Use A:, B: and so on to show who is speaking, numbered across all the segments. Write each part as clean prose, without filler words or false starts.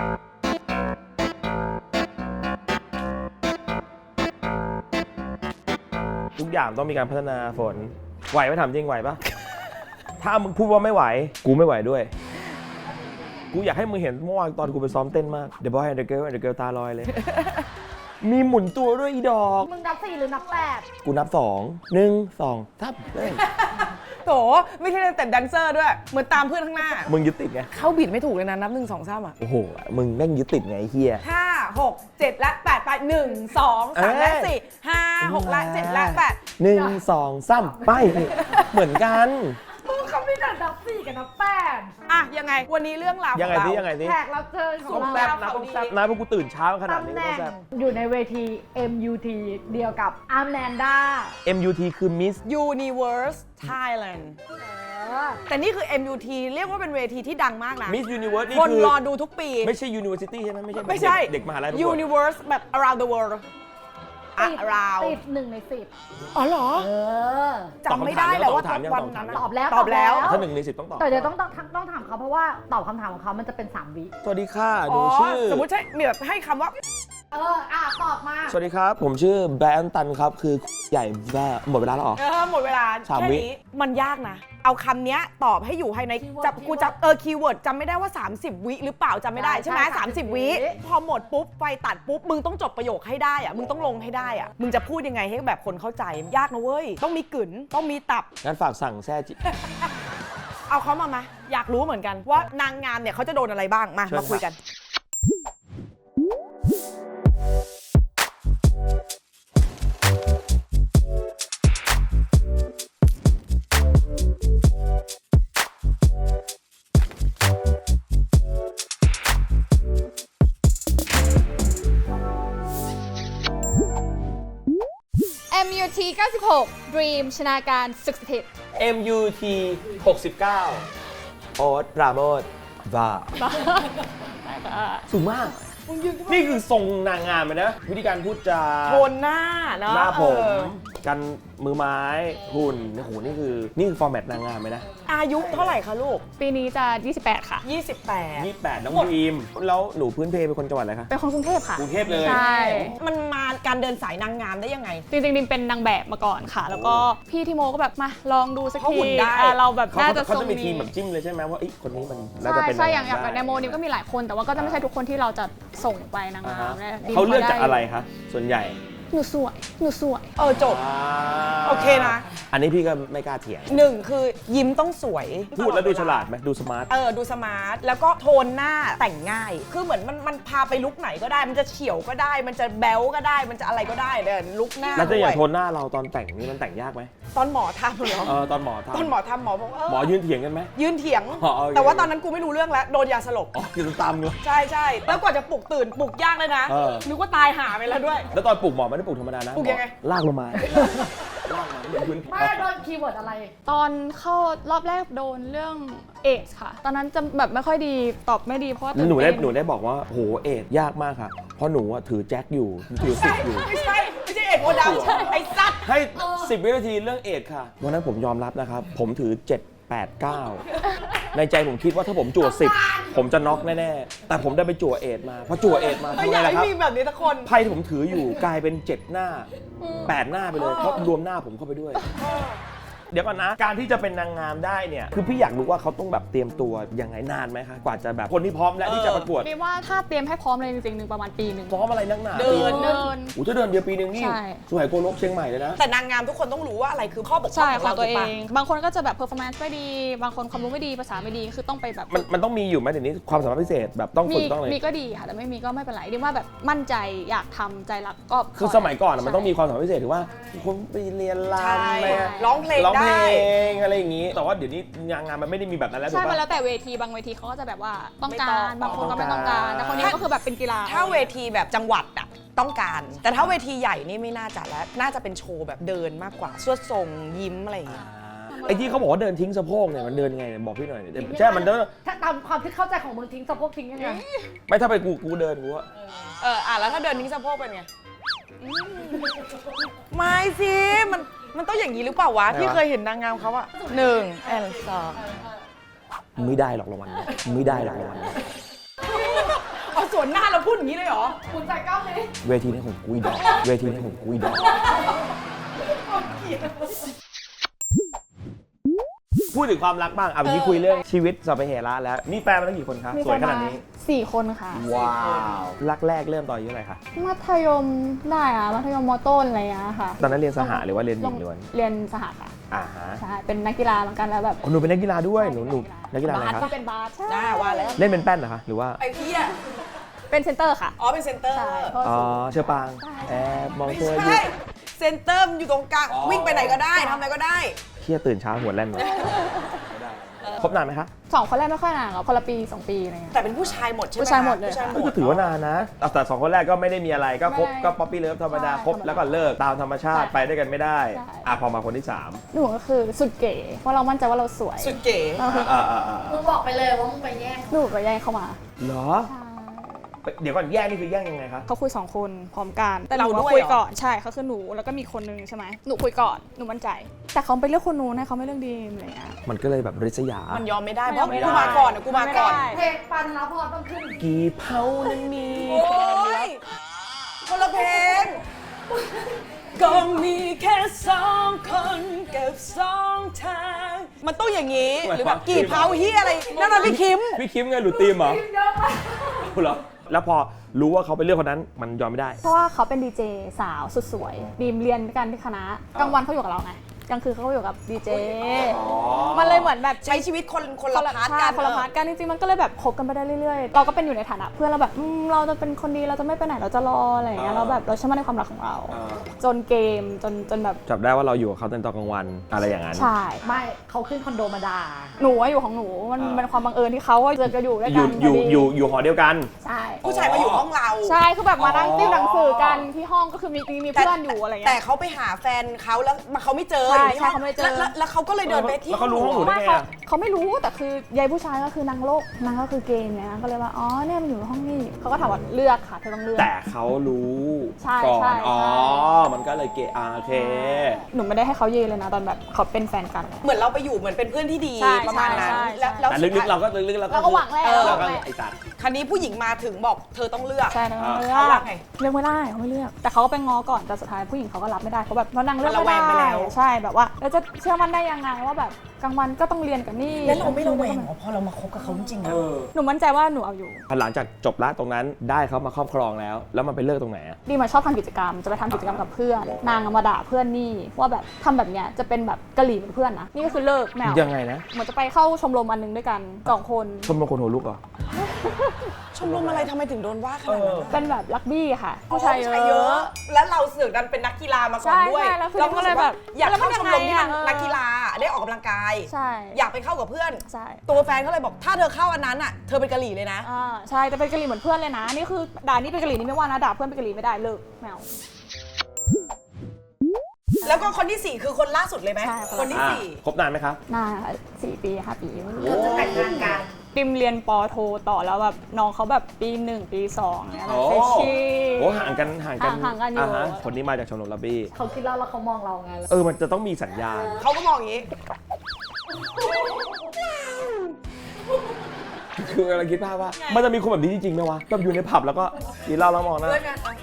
A: ทุกอย่างต้องมีการพัฒนาฝนไหวไหมถามจริงไหวปะ ถ้ามึงพูดว่าไม่ไหวกูไม่ไหวด้วยกูอยากให้มึงเห็นเมื่อวานตอนกูไปซ้อมเต้นมาก The Boy and the Girl ตาลอยเลย มีหมุนตัวด้วยอีดอก
B: มึงนับ4หรือนับ8
A: กูนับ2 1 2 3เฮ้ย
C: โถไม่ใช่แต่แดนเซอร์ด้วย เหมือนตามเพื่อนข้างหน้า
A: มึงยึดติดไง
C: เข้าบิดไม่ถูกเลยนะนับ1 2 3อ่ะ
A: โอ้โหมึงแม่งยึดติดไงไอ้เฮีย
C: 5 6 7 และ 8 ไป 1 2 3 และ 4 5 6 และ 7 และ 8
A: 1 2 3ไปเหมือนกัน
B: มึงเขาไม่แต่นับ4กับนับ8
C: อ่ะยังไงวันนี้เรื่องราวของ
A: ยังไง
C: เรา
A: สิยังไงสิ
B: แขกรับเชิญของ
A: ต้อง
B: เรา
A: แซ่บนะต้องแซ่บนะเพราะกูตื่นเช้าขนาด
B: ตำ
A: นี้
B: แห
A: ต้อ
B: น่
A: ง
B: ง
A: แซ่บ
B: อยู่ในเวที MUT เดียวกับอาแมนดา
A: MUT คือ Miss
C: Universe Thailand แต่นี่คือ MUT เรียกว่าเป็นเวทีที่ดังมากนะ
A: Miss Universe นี่
C: คน
A: คือ
C: รอดูทุกปี
A: ไม่ใช่ University ใช่ไหมไม่ใช่
C: ไม่ใช่
A: เด็กมหาลัยประกวด
C: Universe แบบ around the world
B: ติด
C: around
B: 1 ใน 10
C: อ๋อเหรอ
B: จำ
C: จำไม่ได้แล้วว่าวันนั้น
B: ตอบแล้ว
C: ตอบแล้ว
A: ถ้า1 ใน 10ต้องตอบ
B: แต่เดี๋ยวต้องถามเขาเพราะว่าตอบคำถามของเขามันจะเป็น3 วิ
A: สวัสดีค่ะห
C: อ๋
A: นู
C: อ
A: ชื่อ
C: สมมติใช่มีแบบให้คำว่า
B: ตอบมา
A: สวัสดีครับ ผมชื่อแบรนตันครับ คือใหญ่ว่าหมดเวลาแล้วเหรอ
C: หมดเวลา
A: สาม
C: แค่
A: วิ
C: นี้มันยากนะ เอาคำเนี้ยตอบให้อยู่ภายในกูจับคีย์เวิร์ดจำไม่ได้ว่า 30 วิหรือเปล่าจำไม่ได้ใช่ไหม30 วิพอหมดปุ๊บไฟตัดปุ๊บมึงต้องจบประโยคให้ได้อะมึงต้องลงให้ได้อะมึงจะพูดยังไงให้แบบคนเข้าใจยากนะเว้ยต้องมีกึ๋นต้องมีตับ
A: งั้นฝากสั่งแซ่จิ
C: เอาเขามาไหมอยากรู้เหมือนกันว่านางงามเนี่ยเขาจะโดนอะไรบ้างมาคุยกัน
D: MUT 96 Dream ชนาการศึกสถิต
A: MUT 69 โอ๊ตปราโมทว่าสูงมาก นี่คือทรงนางงามเลยนะ วิธีการพูดจา
C: โทนหน้าเนาะ
A: หน้าผมกันมือไม้หุ่นโอ้โหนี่คือฟอร์แมตนางงามไหมนะ
C: อายุเท่าไหร่คะลูก
D: ปีนี้จะ 28 ค่ะ
C: 28
A: 28น้องดีมแล้วหนูพื้นเพเป็นคนจังหวัดอะไรคะ
D: เป็นคนกรุงเทพค่ะ
A: กรุงเทพเลย
D: ใช่
C: มันมาการเดินสายนางงามได้ยังไง
D: จริงๆดิมเป็นนางแบบมาก่อนค่ะ แล้วก็พี่ทิโมก็แบบมาลองดูสัก
C: เขา
D: ที
C: หุ่นได้
D: เราแบบน่าจะ
A: เขา
D: ทร
A: จะ
D: ง
A: มีที
D: นี้
A: มแบบจิ้มเลยใช่ไหมว่าคนนี้มันน่า
D: ใช่
A: จะเป็น
D: ใช่อย่าง
A: ได้
D: แบบในโมดิมก็มีหลายคน แต่ว่าก็จะไม่ใช่ทุกคนที่เราจะส่งไปนาง
A: อ่าง
D: าม
A: ฮะ
D: ดิม
A: เขาเลือกจาก
D: ด้
A: อะไรคะส่วนใหญ่
D: หนูสวย
C: จบ โอเคนะ
A: อันนี้พี่ก็ไม่กล้าเถียง
C: 1 คือยิ้มต้องสวย
A: พูดแล้วดูฉลาดไหมดูสมาร์ท
C: ดูสมาร์ท แล้วก็โทนหน้าแต่งง่าย คือเหมือนมันพาไปลุกไหนก็ได้ มันจะเฉียวก็ได้ มันจะแบ๊วก็ได้ มันจะอะไรก็ได้เดินลุกหน้า
A: แล้วจะอย่าง
C: ด้วย
A: โทนหน้าเราตอนแต่งนี่มันแต่งยากไหม
C: ตอนหมอทำเหรอ
A: ตอนหมอทำ
C: ตอนหมอทำหมอบอก
A: หมอยืนเถียงกันไหม
C: ยืนเถียง
A: อ๋อโอเค
C: แต่ว่าตอนนั้นกูไม่รู้เรื่องแล้ว โดนยาสลบ
A: อ๋อคือตามเลย
C: ใช่ใช่แล้วกว่าจะปลุกตื่นปลุกยากเลยนะ นึกว่าตายหาไปแล้วด้วย
A: แล้วตอนปลูกหมอไม่ได้ปลูกธรรมดานะ
C: ปลูกยังไง
A: ลากลงมาลากมาเหมือนพื้น
B: ไม่โดนคีย์เวิร์ดอะไร
D: ตอนเข้ารอบแรกโดนเรื่องเอดส์ค่ะ ตอนนั้นจะแบบไม่ค่อยดีตอบไม่ดีเพราะว่าตื่
A: หนู
D: เต้
A: ได้บอกว่าโหเอ็ดยากมากค่ะ เพราะหนูถือแจ็คอยู่ถือสิบอยู่
C: ไม่ใช่เอกโอดำไอ้สัตว์
A: ให้ 10 วินาทีเรื่องเอ็ดค่ะวันนั้นผมยอมรับนะครับ ผมถือ 7 8 9 ในใจผมคิดว่าถ้าผมจั่ว10 ผมจะน็อกแน่ๆ แต่ผมได้ไปจั่วเอ็ดมาพอจั่วเอ็ดมา
C: ไม่
A: ทำ
C: อ
A: ไง
C: ยาก
A: ล่ะ
C: ให้
A: ครับ
C: มีแบบนี้ทุกคน
A: ไพ่ที่ผมถืออยู่กลายเป็น 7 หน้า 8 หน้าไปเลย เพราะรวมหน้าผมเข้าไปด้วย เดี๋ยวก่อนนะ การที่จะเป็นนางงามได้เนี่ย คือพี่อยากรู้ว่าเขาต้องแบบเตรียมตัวยังไงนานไหมคะ กว่าจะแบบคนที่พร้อมและที่จะประกวด
D: ดิมว่าถ้าเตรียมให้พร้อมเลยจริงๆหนึ่งประมาณปีหนึ่ง
A: พร้อมอะไรนักหนา
C: เดิน
A: อู้ถ้าเดินเดียวปีนึงนี่
D: ใช่
A: สวยโกลกเชียงใหม่เลยนะ
C: แต่นางงามทุกคนต้องรู้ว่าอะไรคือข้อบกพร่
D: ใช่
C: องของ
D: ค่ะ
C: เรา
D: ตัว
C: ถู
D: เอก
C: ปะ
D: ง บางคนก็จะแบบเพอร์ฟอร์แมนซ์ไม่ดี บางคนความรู้ไม่ดีภาษาไม่ดีคือต้องไปแบบ
A: มันต้องมีอยู่ไหมเดี๋ยวนี้ความสามารถพิเศษแบบต้องฝึ
D: มี
A: กต้องอะไร
D: มีก็ดีค่ะแต่ไม่มีก็ไม่เป็นไรดิมว่าแบบมั่นใจอยากทำใจรักก็
A: คือสมัยก่อนอะมันต้องมีความสามารถพิเศษถือว่าคนไปเรียนรำ
C: ใช่
A: อะไรอะ
C: ร้องเพลง
A: ร้องเพล
C: ได้
A: งอะไรอย่างนี้ แต่ว่าเดี๋ยวนี้นางงามมันไม่ได้มีแบบนั้นแล้วถู
D: ใช่
A: ก
D: มัน
A: ปะ
D: แล้วแต่เวทีบางเวทีเขาก็จะแบบว่าต้อง
C: ไม่
D: กา
C: ต้อ
D: รง บางคนก็ไม่ต้องการแต่คนนี้ก็คือแบบเป็นกีฬา
C: ถ้าเวทีแบบจังหวัดอะต้องการ แต่ถ้าเวทีใหญ่นี่ไม่น่าจะแล้วน่าจะเป็นโชว์แบบเดินมากกว่าสวดทรงยิ้มอะไรอย่างเงี้ย
A: ไอ้ที่เขาบอกว่าเดินทิ้งสะโพกเนี่ยมันเดินยังไงเนี่ยบอกพี่หน่อยใช่มันเดิน
B: ถ้าตามความที่เข้าใจของมึงทิ้งสะโพกทิ้งยังไง
A: ไม่ถ้าไปกูเดินกูว่า
C: แล้วถ้าเดินทิ้งสะโพกเป็นไงไม่สิมันต้องอย่างนี้หรือเปล่าวะพี่เคยเห็นนางงามเขาอะ1 and 2
A: ไม่ได้หรอกรางวัลเนี่ยไม่ได้หรอกรางวัลเนี่ย
C: เอาสวนหน้าเราพูดอย่างนี้เลยเหรอ
B: คุณใส่กล้องเลย
A: เวทีนี้ของกูอีดอกเวทีนี้ของกูอีดอกพูดถึงความรักบ้างอ่ะเมื่อกี้คุยเรื่องชีวิตสัพเพเหระแล้วนี่แฟนมาตั้งกี่คนคะ
D: มี
A: สวยขนาดนี้
D: 4 คนค่ะ
A: ว้าวรักแรกเริ่มตอนอายุเท่าไหร่คะ
D: มัธยมได้อะมัธยมมต้นอะไรอย่างเงี้ยค่ะ
A: ตอนนั้นเรียนสหะหรือว่าเรียนหญิงล้วน
D: เรียนสหค่ะ
A: อ่าฮะ
D: ใช่เป็นนักกีฬาเหมือนกันแล้วแบบ
A: อ๋อหนูเป็นนักกีฬาด้วยหนูนักกีฬาอะไร
D: บาส
A: คะ
D: ก็เป็นบาสใช่
C: หน้าว่าแล้ว
A: เล่นเป็นแป้นเหรอคะหรือว่า
C: ไอ้เหี้ย
D: เป็นเซนเตอร์ค่ะ
C: อ๋อเป็นเซนเตอร์
D: ใช่เพราะ
A: อ๋อ
D: สูง
A: เชอปางแอบมอง
C: ไม่
A: เธออยู่
C: ใช่เซนเตอร์มันอยู่ตรงกลางวิ่งไปไหนก็ได้ทำอะไรก็ได้
A: เที่ยตื่นเช้าหัวแล่นมาคบนานไหมคะ
D: 2 คนแรกไม่ค่อยนานหรอกคนละปี 2 ปีอะไรเงี้ย
C: แต่เป็นผู้ชายหมดใช่ไหม
D: ผู้ชายหมดเลย
C: ผู้ชายหม
A: ก็
C: ด
A: ถือว่านานนะแต่สองคนแรกก็ไม่ได้มีอะไรก็คบ
D: ไม่
A: ก็ป๊อปปี้เลิฟธรรมดา
D: ใช่
A: คบแล้วก็เลิกตามธรรมชาติ
D: ใช่
A: ไปด้วยกันไม่ได้
D: ใช่
A: อ่ะพอมาคนที่สาม
D: หนูก็คือสุดเก๋เพราะเรามั่นใจว่าเราสวย
C: สุดเก๋
B: มึงบอกไปเลยว่ามึงไปแย่ง
D: หนูไปแย่งเข้ามา
A: เหรอ
D: ใช่
A: เดี๋ยวก่อนแย่งนี่คือแย่งยังไงคะ
D: เขาคุย2 คนพร้อมกันแต่หนูว่าคุยก่อนใช่เขาคือหนูแล้วก็มีคนนึงใช่ไหมหนูคุยก่อนหนูมั่นใจ แต่เขาไปเลือกคนนู้นนะเขาไม่เลือกดีมอะไรเงี้ย
A: มันก็เลยแบบริษยา
C: มันยอมไม่ได้
D: มัน
C: เพ
D: ยอ
C: ราะ
D: มไม่ได้
C: กูมาก่อนนะกูมาก่อน
D: ไม่ได้
B: เพลงปันแล้วพอต้องขึ้น
A: กี่เผานั้นมี
C: โอ้ยคนละเพลงก็มีแค่2 คนกับ2 ทางมันต้องอย่างนี้หรือแบบกี่เผาเฮียอะไรนั่นน่ะพี่คิม
A: พี่คิมไงหลุดตีมเหรอ
B: เยอะมาก
A: เหรอแล้วพอรู้ว่าเขาไปเลือกคนนั้นมันยอมไม่ได้
D: เพราะว่าเขาเป็นดีเจสาวสุดสวยดีมเรียนด้วยกันที่คณะกลางวันเขาอยู่กับเราไงกลางคืนเขาอยู่กับดีเจมันเลยเหมือนแบบ
C: ใช้ชีวิตคนละพาร์ท
D: ใช่
C: กัน
D: คนละพาร์ทกันจริงๆมันก็เลยแบบคบกันไปได้เรื่อยๆเราก็เป็นอยู่ในฐานะเพื่อนเราแบบเราจะเป็นคนดีเราจะไม่ไปไหนเราจะรออะไรอย่างเงี้ยเราแบบเราเชื่อมั่นในความรักของเรา จนเกมจนแบบ
A: จับได้ว่าเราอยู่กับเขาตอนกลางวันอะไรอย่างนั้น
D: ใช่
B: ไม่เขาขึ้นคอนโดมาด่า
D: หนูอะอยู่ของหนูมันเป็นความบังเอิญที่เขาเจอกันอยู่ด้วย
A: อ
D: กั
A: ยู่
D: น
A: อยู่
D: พดี
A: อยู่หอเดียวกัน
D: ใช่
C: ผู้ชายมาอยู่ห้องเรา
D: ใช่คือแบบมานั่งติวหนังสือกันที่ห้องก็คือมีเพื่อนอยู่อะไร
C: แต่
D: เงี้ย
C: เขาไปหาแฟนเขาแล้วเขาไม่เจอ
D: ใช่
C: อยู่ที่ห้อง
D: ใช่เขาไม่เจอ
C: แล้วเขาก็เลยเดินไปที่
A: แล้วเขารู้ห้องหนูได้
D: ไม่
A: ไง
D: เขาไม่รู้แต่คือยายผู้ชายก็คือนางโลกนางก็คือเกย์เนี่ยนางก็เลยว่าอ๋อเนี่ยมันอยู่ห้องนี้เขาก็ถามว่าเลือกค่ะเธอต้องเลือก
A: แต่เขารู้
D: ใช่
A: ก่อ
D: ใช่
A: นอ๋อ
D: ใช่
A: มันก็เลยเกะโอเค
D: หนูไม่ได้ให้เขาเยเลยนะตอนแบบเขาเป็นแฟนกัน
C: เหมือนเราไปอยู่เหมือนเป็นเพื่อนที่ดี
D: ใช่
C: ประมาณนั้น
D: ใช่
C: แล้ว
A: แต่ลึกๆเราก็ลึกๆเรา
D: เราก็หวังแล้ว
A: เราก็ไอ้สัตว์
C: คันนี้ผู้หญิงมาถึงบอกเธอต้องเลือก
D: ใช่นะ
C: เขาว่าไง
D: เลือกไม่ได้เขาไม่เลือกแต่เขาก็ไปง้อก่อนแต่สุดท้ายผู้หญิงเขาก็รับไม่ได้เขาแบบเพราะนางเลือก
C: มันระแว
D: ไม่
C: งไป
D: ได้
C: แล้ว
D: ใช่แบบว่าเราจะเชื่อมั่นได้ยังไงว่าแบบกลางวันก็ต้องเรียนกับนี่
C: แล้วเราไม่ระแวงเหรอพอเรามาคบกับเขาจริงๆอะ
D: หนูมั่นใจว่าหนูเอาอยู่
A: หลังจากจบละตรงนั้นได้เขามาครอบครองแล้ว แล้วมันไปเลิกตรงไหนอะ
D: ดีมาชอบทำกิจกรรมจะไปทำกิจกรรมกับเพื่อน นางมาด่าเพื่อนนี่ว่าแบบทำแบบเนี้ยจะเป็นแบบกะหรี่เป็นเพื่อนนะนี่ก็คือเลิกแมว
A: ยังไงนะ
D: เหมือนจะไปเข้าชมรมอันหนึงด้วยกัน2 คน
A: ชมรมคนหัวลุกเหรอ
C: ชมรมอะไรทำไมถึงโดนว่าขนาดนั้นอะ
D: เป็นแบบลักบี้ค่ะ
C: อ๋อ
D: ผู้ชายเยอะ
C: แล้วเราเสือกดันเป็นนักกีฬามาก่อนด้วย
D: ใช่แล้วคือ
C: เราก็เลยแบบ อยาก
D: แล้วมัน
C: เข้าชมรมที่มัน
D: ยังไงอะ
C: นักกีฬาได้ออกกำลังกาย
D: ใช่
C: อยากไปเข้ากับเพื่อน
D: ใช่
C: ตัวแฟนเขาเลยบอกถ้าเธอเข้าอันนั้นอ่ะเธอเป็นกะหรี่เลยนะ
D: ใช่แต่เป็นกะหรี่เหมือนเพื่อนเลยนะนี่คือด่านี่เป็นกะหรี่นี่ไม่ว่านะด่าเพื่อนเป็นกะหรี่ไม่ได้เลิกแมว
C: แล้วก็คนที่ 4 คือคนล่าสุดเลยไหม
D: ใช่
C: คนที่
A: อ่ะ
C: สี่
A: คบนานไหมคะ
D: นาน4 ปี5 ปี
B: เราจะแต่งงานกัน
D: ดิมเรียนปอโทต่อแล้วแบบน้องเขาแบบปี 1 ปี 2เนี่ย
A: โอ้
D: เฟชชี่
A: โอ้ห่างกัน
D: ห่างกันอยู่
A: ฮะคนนี้มาจากชมรมลับบี้
B: เขาคิดแล้วเขามองเราไง
A: มันจะต้องมีสัญญาณ
C: เขาก็มองอย่างนี้
A: คือกำลังคิดภาพว่า มันจะมีคนแบบนี้จริงๆไหมวะแบบอยู่ในผับแล้วก็กินเหล้าแล้วมองหน้า
C: เพื่อนกันอะ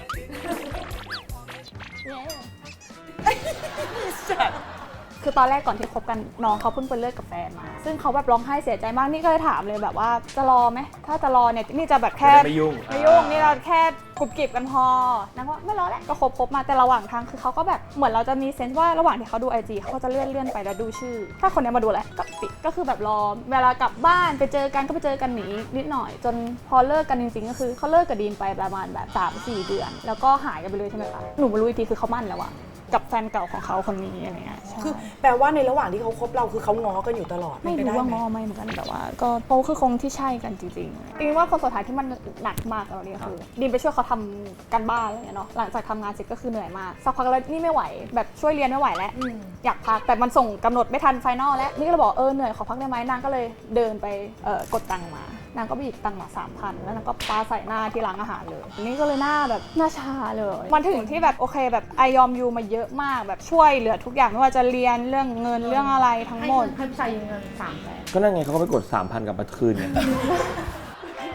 D: คือตอนแรกก่อนที่คบกันน้องเขาเพิ่งไปเลิกกับแฟนมา ซึ่งเขาแบบร้องไห้เสียใจมากนี่ก็เลยถามเลยแบบว่าจะรอไหมถ้าจะรอเนี่ยนี่จะแบบแค่
A: จะได้ไม่ยุ่ง
D: ไม่ยุ่งนี่เราแค่กรุบกริบกันพอนางว่าไม่รอแล้วก็คบมาแต่ระหว่างทางคือเขาก็แบบเหมือนเราจะมีเซนส์ว่าระหว่างที่เขาดู IG เขาก็จะเลื่อนไปแล้วดูชื่อ ถ้าคนเนี้ยมาดูแหละก็ปิดก็คือแบบรอเวลากลับบ้านไปเจอกันก็ไปเจอกันหนีนิดหน่อย จนพอเลิกกันจริงๆก็คือเขาเลิกกับดีนไปประมาณแบบ 3-4 เดือน แล้วก็หายกันไปเลยใช่ไหมคะหนูมารู้อีกทีคือเขามั่นแล้วอะกับแฟนเก่าของเขาคนนี้อะไรเงี้ยใช่
C: คือแปลว่าในระหว่างที่เขาคบเราคือเขาง้อกันอยู่ตลอด
D: ไม่
C: เป็น
D: รู้
C: ปด้
D: ว่า
C: ห
D: ง้อไหมเหมือนกันแต่ว่าก็เขาคือคงที่ใช่กันจริงๆจริงๆว่าคนสุดท้ายที่มันหนักมากตอนนี้คือดีมไปช่วยเขาทำการบ้านอะไรเงี้ยเนาะหลังจากทำงานเสร็จก็คือเหนื่อยมากสักพักแล้วนี่ไม่ไหวแบบช่วยเรียนไม่ไหวแล้วอยากพักแต่มันส่งกำหนดไม่ทันไฟนอลแล้วนี่ก็เลยบอกเหนื่อยขอพักได้ไหมนางก็เลยเดินไปกดตังค์มานางก็ไปหยิบตังค์มา 3,000 แล้วนางก็ปาใส่หน้าที่ร้านอาหารเลยนี่ก็เลยหน้าแบบหน้าชาเลยมันถึงที่แบบโอเคแบบไอยอมยูมาเยอะมากแบบช่วยเหลือทุกอย่างไม่ว่าจะเรียนเรื่องเงินเรื่องอะไรทั้ง
B: ให้
D: หมด
B: เงินให้ผู้ชายยืมเงิน300,000
A: ก็นั่นไงเขาก็ไปกด 3,000 กลับมาคืนไง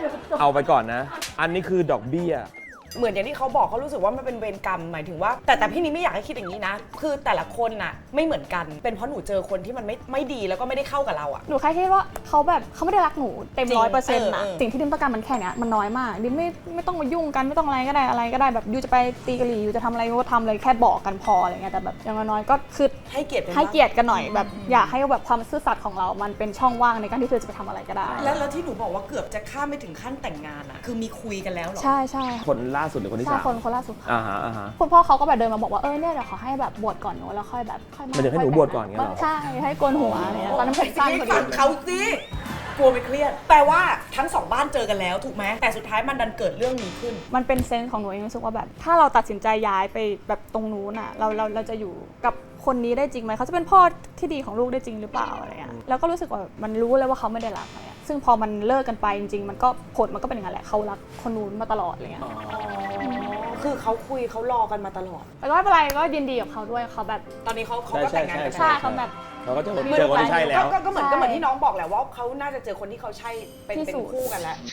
A: เอาไปก่อนนะ อันนี้คือดอกเบี้ย
C: เหมือนอย่างที่เขาบอกเขารู้สึกว่ามันเป็นเวรกรรมหมายถึงว่า แต่พี่นี่ไม่อยากให้คิดอย่างนี้นะ คือแต่ละคนน่ะไม่เหมือนกัน เป็นเพราะหนูเจอคนที่มันไม่ดีแล้วก็ไม่ได้เข้ากับเราอะ
D: หนูแค่คิดว่าเขาแบบเขาไม่ได้รักหนูเต็ม
C: จริง
D: 100%นะ
C: เออ
D: สิ่งที่ดิมต้องการมันแค่เนี้ยมันน้อยมากดิมไม่ต้องมายุ่งกันไม่ต้องอะไรก็ได้แบบยูจะไปตีกะหรี่ยูจะทำอะไรก็ทำเลยแค่บอกกันพออะไรเงี้ยแต่แบบอย่างน้อยๆก็คือ
C: ให้เกียรติ
D: ให้เกียรติกันหน่อยแบบอยากให้แบบความซื่อสัตย์ของเรามันเป็นช่องว่างในการที่เธอจะไปทำอะไรก็ได้
E: แล้วที่หนูบอกว่าเกือบจะข้ามไม่ถึงขั้นแต่งงานอะคือมีคุยกันแล้วเหรอ
D: ใช่ใช่
A: คนล่าสุดหรือคนที่
D: ใช่
A: สาม
D: คนล่าสุดค่ะ
A: อ่าฮะ
D: คุณพ่อเขาก็แบบเดินมาบอกว่าเนี่ยเดี๋ยวขอให้แบบบวชก่อนหนูแล้วค่อยแบบค่อย
A: มันจะให้หนูบวชก่อนเงี้ยเหรอ
D: ใช่ให้โกนหัวอะไรเงี้ยตอนนั้นผมสั้นพอดี
E: ฟังเขาสิกลัวไปเครียด แปลว่าทั้งสองบ้านเจอกันแล้วถูกไหมแต่สุดท้ายมันดันเกิดเรื่องนี้ขึ้น
D: มันเป็นเซนส์ของหนูเองรู้สึกว่าแบบถ้าเราตัดสินใจย้ายไปแบบตรงนู้นอ่ะเราจะอยู่กับคนนี้ได้จริงไหมเขาจะเป็นพ่อที่ดีของลูกได้จริงหรือเปล่าอะไรเงี้ยแล้วก็รู้สึกว่ามันรู้เลยว่าเขาไม่ได้รักอะไรเงี้ยซึ่งพอมันเลิกกันไปจริงๆมันก็ผลมันก็เป็นอย่างนั้นแหละเขารักคนนู้นมาตลอดอะไรเงี้ย
C: คือเขาคุยเขารอกันมาตลอด
D: แต่ก็ไม่เป็นไรก็ยินดีกับเขาด้วยเขาแบบ
E: ตอนนี้เขาก็แต่งงานกัน
D: ใช่เขาแบบ
A: เราก็เจอคนที่ใช่แล้ว
C: ก็เหมือนที่น้องบอกแหละว่าเขาน่าจะเจอคนที่เขาใช่เป็น
D: ที่สุด
C: คู่กันแล้ว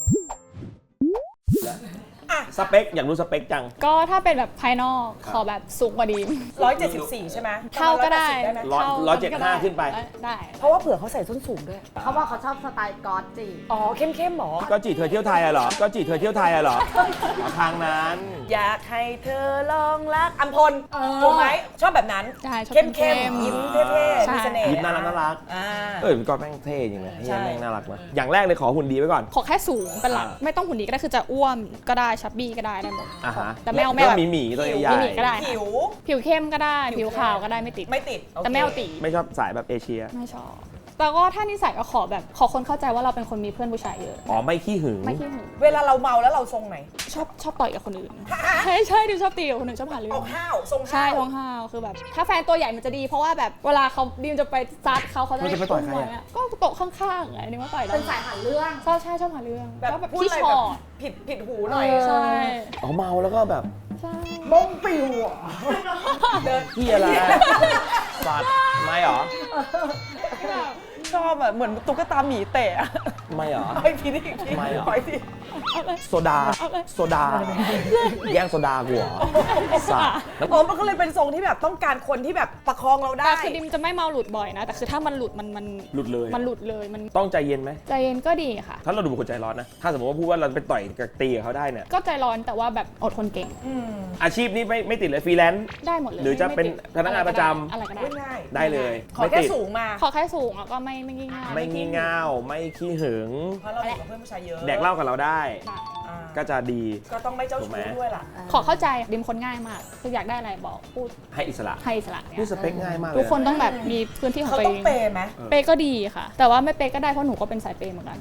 A: สเปคอยากรู้สเปคจัง
D: ก็ถ้าเป็นแบบภายนอกขอแบบสูงกว่าดีม
C: 174 ใช่ไหม
D: เท่าก็ได้
C: ไหม
A: 175ขึ้นไป
D: ได้
C: เพราะว่าเผื่อเขาใส่ส้นสูงด้วย
B: เขาบอกเขาชอบสไตล์ก๊อตจี
C: อ๋อเข้มๆหมอ
A: ก็จีเธอเที่ยวไทยอะเหรอ ก็จีเธอเที่ยวไทยอะเหรอทางนั้น
C: อยากให้เธอลองรักอัมพลถูกไหมชอบแบบนั้น
D: ใช่ชอบ
C: เข้ม
D: เข้ม
C: ๆยิ้มเท่ๆ
D: ใช่
C: มีเสน่ห์
A: ยิ้มน่ารัก
C: อ่า
A: ก็แม่งเท่จริงเลย
C: ใช่
A: แม่งน่ารักนะอย่างแรกเลยขอหุ่นดีไว้ก่อน
D: ขอแค่สูงเป็นหลัก
A: อ่า
D: ไม่ต้องหุ่นดีก็ได้คือจะอ้วนก็ได้ชับบี้ก็ได้ได้หมด
A: อ่าฮะ
D: แต่ไม่เอา
A: ก็
D: แบบ
A: มีหมีตัวใหญ่
D: มีหมีก็ได้
C: ผิว
D: ผิวเข้มก็ได้ผิวขาวก็ได้ไม่ติด
C: ไม่ติดโอเค
D: แต่ไม่เอาตี
A: ไม่ชอบสายแบบเอเชีย
D: ไม่ชอบแต่ก็ถ้านิสัยก็ขอแบบขอคนเข้าใจว่าเราเป็นคนมีเพื่อนผู้ชายเยอะ
A: อ๋อไม่ขี้หึง
D: ไม่ขี้หึง
C: เวลาเราเมาแล้วเราทรงไหน
D: ชอบต่อยกับคนอื่นใช่ดิวชอบตีกับคนอื่นชอบหาเรื่
C: อ
D: อ
C: อง กห้าวทรง
D: ใช่
C: ห้าว
D: ท้องห้าวคือแบบ ถ้าแฟนตัวใหญ่มันจะดีเพราะว่าแบบเวลาเขาดิวจะไปซัดเขาจะ
A: มันจะไปต่อยใครอะ
D: ไว้ก็โต๊ะข้างๆไงนี่ว่าต่อยได้
B: เป็นสายหาเรื่อง
D: ชอบใช่ชอบหาเรื่อง
C: แบบ
D: ก็แบบ
C: พูด
D: พี่
C: อะไร
D: ช
C: แบ
D: อบ ต
C: ผิดหูหน่อย
D: ใช่
A: อ๋อเมาแล้วก็แบบ
D: ใช่
B: มงปิวอ่ะ
A: เฮียอะไรสัตว์ไม่เหรอ
C: ชอบแบบเหมือนตุ๊กตาหมีเตะอะ
A: ไม่เหรอ
C: ไปทีนี้อีกที
A: ไม่เหรอ
C: ไปที
A: โซดาแย่งโซดากูเหรอสัตว์แล้ว
C: อ๋อมันก็เลยเป็นทรงที่แบบต้องการคนที่แบบประคองเราได้
D: แต่คือดิมจะไม่เมาหลุดบ่อยนะ แต่คือถ้ามันหลุดมัน
A: หลุดเลย
D: มันหลุดเลยมัน
A: ต้องใจเย็นไหม
D: ใจเย็นก็ดีค่ะ
A: ถ้าเราดูเป็นคนใจร้อนนะ ถ้าสมมติว่าพูดว่าเราไปต่อยกับตีกับเขาได้เนี่ย
D: ก็ใจร้อนแต่ว่าแบบอดทนเก่ง
A: อาชีพนี้ไม่ติดเลยฟรีแลนซ์
D: ได้หมดเลย
A: หรือจะเป็น
D: ไม่ติด
A: พนักงานประจำ
D: อะไรก็ได้
C: ไม่ง่าย
A: ได้เลย
C: ขอแค่สูงมา
D: ขอแค่สูงแล้วก็ไม่งี่เง่า
A: ไม่งี่เง่าไม่ขี้หึง
C: เพราะเราอยู่กับเพื่อนผู้ชายเยอะ
A: แดกเหล้ากับเราได้
D: ได้
C: อ่า
A: ก็จะดี
C: ก็ต้องไม่เจ้า
A: ถูกไหม
C: ชู้ด้วยล่ะ
D: ขอเข้าใจดิมคนง่ายมาก คืออยากได้อะไรบอกพูด
A: ให้อิสระ
D: ให้อิสระเนี่ย
A: นี่สเปคง่ายมากเลย
D: ทุกคนต้องแบบมีพื้นที่ของ
C: เขา
D: ตัว
C: ต้
D: เอ
C: อง
D: ง
C: เปย์ไหม
D: เปย์ก็ดีค่ะ แต่ว่าไม่เปย์ก็ได้เพราะหนูก็เป็นสายเปย์เหมือนกัน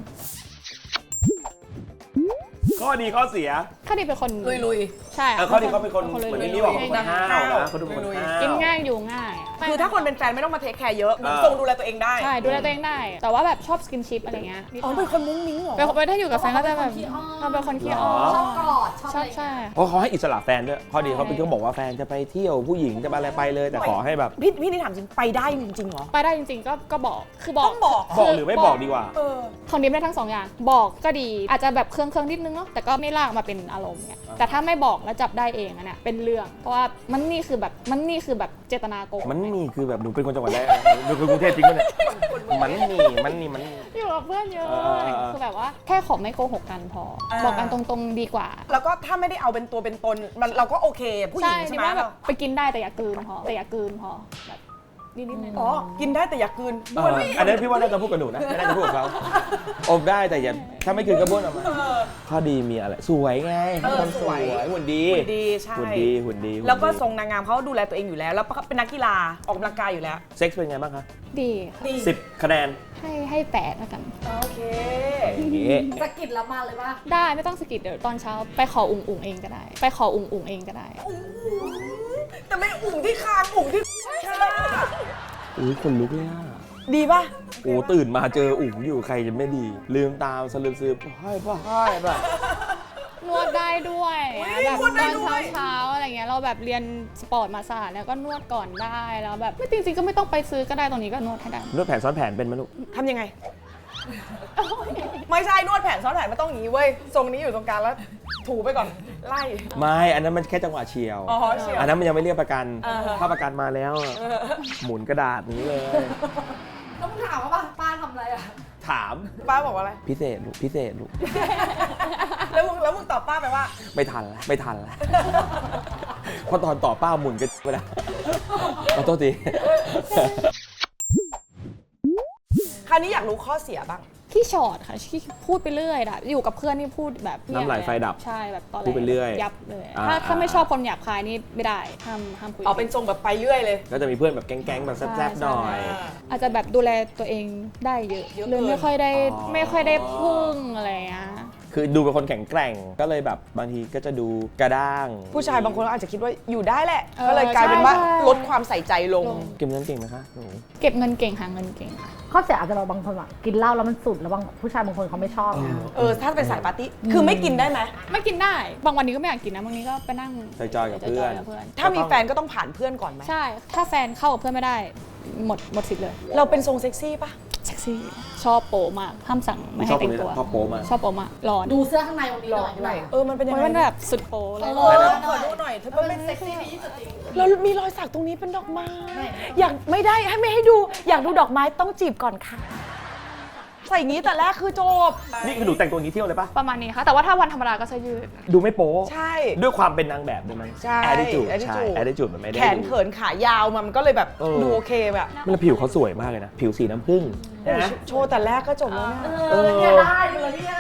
A: ข้อดีข้อเสีย
D: ถ้าดิมเป็นคน
C: ลุย
D: ใช่
A: ข้อดีเขาเป็นคน
D: ลุย
A: เหมือน
D: ๆ
A: ที่นี่บอกเป็นคน
D: ง่าย
A: ห้าวนะเขาดูเป็นคนห้าว
D: กินง่ายอยู่ง่าย
C: ๆคือถ้าคนเป็นแฟนไม่ต้องมาเทคแคร์เยอะเหมือน
A: อ่า
C: ทรงดูแลตัวเองได้
D: ใช่ดูแลตัวเองได้ แต่ว่าแบบชอบสกินชิปอะไรเงี้ยนิดห
C: อ๋อ
D: น่อย
C: เป็นคนมุ้งมิ้งเหรอ
D: เป็นถ้าอยู่กับแฟนก็จะแบบเราเป็นคนขี้อ้อน
B: ชอบกอด ชอบ
D: ช
B: อะ
D: อบ
B: ไร
D: ใช่
A: เพราะเขาให้อิสระแฟนด้วย ข้อดีเขาเป็นเขาบอกว่าแฟนจะไปเที่ยวผู้หญิงจะไปอะไรไปเลย แต่ขอให้แบบ
C: พี่นี่ถามจริงไปได้จริงๆเหรอ
D: ไปได้จริงๆก็บอกคือบอก
C: ต้องบอก
A: บอกหรือไม่บอกดีกว่า
C: เออ
D: ของดิมได้ทั้งสองอย่าง บอกก็ดีอาจจะแบบเครื่องนิดนึงเนาะแต่ก็ไม่ลากมาเป็นอารมณ์เนี่ยแต่ถ้าไม่บอกแล้วจับได้เองอะเนี่ยเป็นเรื่อง เพราะว่ามันนี่คือแบบเจตนาโกง
A: มันมีคือแบบหนูเป็นคนจังหวัดแรกหนูเป็นกรุงเทพจริงปะเนี่ยมันมี
D: อยู่กับเพื่อนเยอะ
A: เออ
D: คือแบบว่าแค่ขอไม่โกหกกันพอ บอกกันตรงๆดีกว่า
C: แล้วก็ถ้าไม่ได้เอาเป็นตัวเป็นตนมันเราก็โอเค ผู้หญิงใช่
D: ดิ
C: ไหม
D: ว่าแบบไปกินได้แต่อย่ากลืนพอแบบนิดๆหน่อยๆ
C: อ๋อกินได้แต่อย่ากลืน
A: อันนั้นพี่ว่าน่าจะพูดกับหนูนะไม่น่าจะพูดกับเขาอมได้แต่อย่าถ้าไม่คืนก็บ้วนออกมาข้อดีมีอะไรสวยไงเขาเป็นคนสวยหุ่นดี
C: หุ่นดีใช่
A: หุ่นดี
C: แล้วก็ทรงนางงามเขาดูแลตัวเองอยู่แล้ว แล้วก็เป็นนักกีฬาออกกำลังกายอยู่แล้ว
A: เซ็กซ์เป็นไงบ้างคะ
D: ดีค่ะ
C: ดี
A: 10 คะแนน
D: ให้แปดแล้วกัน
C: โอเค
A: อย่างงี้
B: สะกิดแล้วมาเลยป่ะ
D: ได้ไม่ต้องสกิดเดี๋ยวตอนเช้าไปขออุ่งเองก็ได้ ไปขออุ่งเองก็ได้
C: แต่ไม่อุ่งที่คางอุ่งที่ค่ะ
A: อุ้ยคนลุกเลยอ่ะ
C: ดีป่ะ
A: โอ้ตื่นมาเจออุ๋งอยู่ใครจะไม่ดี ลืมตามสลืมซื้อให้ป่ะ
D: นวดได้ด้วย
C: อุ๊ย
D: แบบ
C: นวด
D: ต
C: ได้
D: อน
C: ด้วย
D: เช้าอะไรเงี้ยเราแบบเรียนสปอร์ตมาศาสตร์แล้วก็นวดก่อนได้แล้วแบบไม่จริงๆก็ไม่ต้องไปซื้อก็ได้ตรงนี้ก็นวดให้ได้
A: นวดแผนซ้อนแผนเป็นไหมลูก
C: ทำยังไงไม่ใช่นวดแผนซ้อนแผนไม่ต้องอย่างนี้เว้ยทรงนี้อยู่ตรงกลางแล้วถูไปก่อนไล่
A: ไม่อันนั้นมันแค่จังหวะเฉียว
C: อ๋อเฉียว
A: อันนั้นมันยังไม่เรียกประกัน
C: อ่าฮะ
A: ถ้าประกันมาแล้วอะหมุนกระดาษนี้เลย
B: ต้องถามว่าป้าทำอะไรอ่ะ
A: ถาม
C: ป้าบอกว่าอะไร
A: พิเศษลูกพิเศษลูก
C: แล้วมึงตอบป้าไปว่า
A: ไม่ทันแล้วไม่ทันแล้วเพราะตอนต่อป้าหมุนกันไปแล้วขอโทษที
C: คราวนี้อยากรู้ข้อเสียบ้าง
D: ขี้ช็อตค่ะขี้พูดไปเรื่อยอะอยู่กับเพื่อนนี่พูดแบบเงียบ
A: น้ำไหลไฟดับ
D: ใช่แบบตอนแรก
A: พูดไปเรื่อย
D: ยับเลย
A: อ่า
D: ถ้าไม่ชอบคนหยาบคายนี่ไม่ได้ห้ามคุย
C: เอาเป็นทรงแบบไปเรื่อยเลย
A: ก็จะมีเพื่อนแบบแก๊งๆแบบแซ่บๆหน่อย
D: อาจจะแบบดูแลตัวเองได้เยอะ
C: เยอะ
D: เลย
C: เกิน
D: ไม่ค่อยได้
A: อ๋อ
D: ไม่ค่อยได้พึ่งอะไรอย่างเงี้ย
A: คือดูเป็นคนแข็งแกร่งก็เลยแบบบางทีก็จะดูกระด้าง
C: ผู้ชายบางคนก็อาจจะคิดว่าอยู่ได้แหละ
D: เออ
C: ก็เลยกลายเป็นว่า
D: ใช่
C: ลดความใส่ใจลง
A: เก็บเงินเก่งไหมคะหนู
D: เก็บเงินเก่งหาเงินเก่งค่ะ
B: ข้อเสียอาจจะเราบางคนอะกินเหล้าแล้วมันสุดแล้วบางผู้ชายบางคนเขาไม่ชอบนะ
C: ถ้าเป็นสายปาร์ตี้ คือไม่กินได้ไหม
D: ไม่กินได้ บางวันนี้ก็ไม่อยากกินนะบางนี้ก็ไปนั่ง
A: จอยๆกับเพื่อน
D: จยๆกับเพื่อน
C: ถ้ามีแฟนก็ต้องผ่านเพื่อนก่อนไหม
D: ใช่ ถ้าแฟนเข้ากับเพื่อนไม่ได้ หมดสิทธิ์เลย
C: เราเป็นทรงเซ็กซี่ปะ
D: เซ็กซี่ชอบโปมากห้ามสั่งไม่
A: ช
D: ให้
A: อบค
D: แต่
A: น
D: ง
A: นี้
D: ตัว
A: ชอบโป๊มาก
D: ชอบโปมากร้อน
B: ดูเสื้อข้างในวันนี้หน่อยด้วย
C: มันเป็นยัง
D: มัน
C: ไง
D: เป็นแบบสุดโปเลย
C: ขอดูหน่อยเธอ
B: มัน
C: เป็
B: เป็น นเซ็กซี่ที่สุดจริง
C: แล้วมีรอยสักตรงนี้เป็นดอกไม้ อยากไม่ได้ไม่ให้ดู อยากดูดอกไม้ต้องจีบก่อนค่ะ ใส่อย่างนี้แต่แรกคือจบ
A: นี่คือหนูแต่งตัวอย่างนี้เที่ยวเลยปะ
D: ประมาณนี้ค่ะ แต่ว่าถ้าวันธรรมดาก็จะยืด
A: ดูไม่โป๊
C: ใช่
A: ด้วยความเป็นนางแบบด้วยมั้ย
C: ใช่
A: attitude ใช่
C: attitude
A: attitude มันไม่ได้
C: แขนเขินขายาวมันก็เลยแบบ
A: เออ
C: ดูโอเคแบบ
A: มันผิวเขาสวยมากเลยนะ ผิวสีน้ำผึ้งนะ
C: โชว์แต่แรกก็จบแล้วเนี่ย
B: เนี่ยได้เลยเนี่ย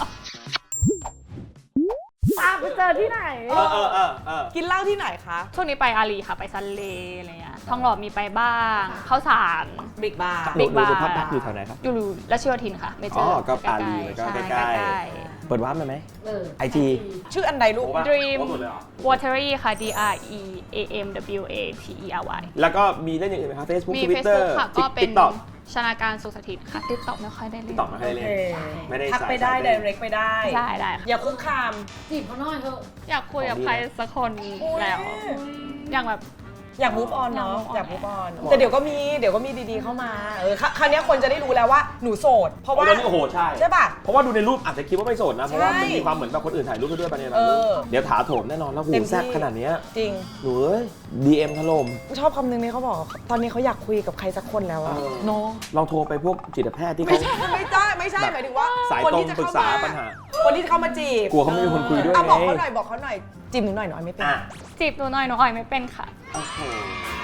B: ตามไปเจอที่ไหน
C: กินเหล้าที่ไหนคะ
D: ช่วงนี้ไปอารีค่ะ ไปซันเลอะไรเงี้ยทองหล่อมีไปบ้างข้าวสาร
C: บิ๊กบาร์
D: Big
A: หนู
D: Bar
A: พักอยู่แถวไหนครับ
D: อยู่รัชโยธินค่ะ ไม่เจ
A: อ๋
D: อ
A: อก็
D: ใล้ๆ
A: อารีก็
D: ช่
A: ใกล้
D: ๆ
A: เปิดวาร์ปไหม
B: เออ
A: ไอจี
C: ชื่ออันใดลูก
D: Dream Watery ค่ะ D R E A M W A T E R Y
A: แล้วก็มีเล่นอย่างอื่นไหมครับ Facebook
D: มี
A: Twitter
D: Facebook ค่ะ ก็เป็น
A: TikTok
D: ชนาการสุขสถิตค่ะ TikTok ไม่ค่อยได้เล่น
A: TikTok ไม่ค่อยได้เล่นไม่ได้
C: ทักไปได้ direct ไปได้
D: ได้ได้ค่ะ
C: อย่าคุกคาม
B: จีบเขาหน่อยเถอะ
D: อยากคุยกับใครสักคนแล้ว อย่างแบบ
C: อยาก move on เนาะอยาก
D: move
C: move
D: on
C: on แต่เดี๋ยวก็มีดีๆเข้ามาคราวนี้คนจะได้รู้แล้วว่าหนูโสด เพราะว่า
A: ตอนนี้โอ้โหใช่
C: ใช่ป่ะ
A: เพราะว่าดูในรูปอาจจะคิดว่าไม่โสดนะ เพราะว่ามัน
C: ใช่
A: มีความเหมือนแบบคนอื่นถ่ายรูปไปด้วยไปในนั้น
C: เออ
A: เดี๋ยวถาโถมแน่นอนแล้วหู
C: เต็มที่
A: แซ่บขนาดเนี้ย
C: จริง
A: หนูเอ้ย DM ถล่ม
C: ชอบคำนึงนี้เขาบอก ตอนนี้เขาอยากคุยกับใครสักคนแล้วอะ
A: เออ
C: เนาะ
A: ลองโทรไปพวกจิตแพทย์ที่
C: ไม่
A: เขา
C: ใช่ไม่ใช่หมายถึงว่า
A: สาย
C: คน
A: ตรง
C: ที่จะ
A: ปรึก
C: เข้า
A: ษา
C: มา
A: ปัญหา
C: คนที่จะเข้ามาจีบ
A: กลัวเขาไม่มีคนคุยด้วย
C: อ่ะบอก
A: ไง
C: เขาหน่อยจีบหนูหน่อยไม่เป็น
A: อ่ะ
D: จีบหนูหน่อยหนูอ่อยไม่เป็นค่ะ
A: โอ้โห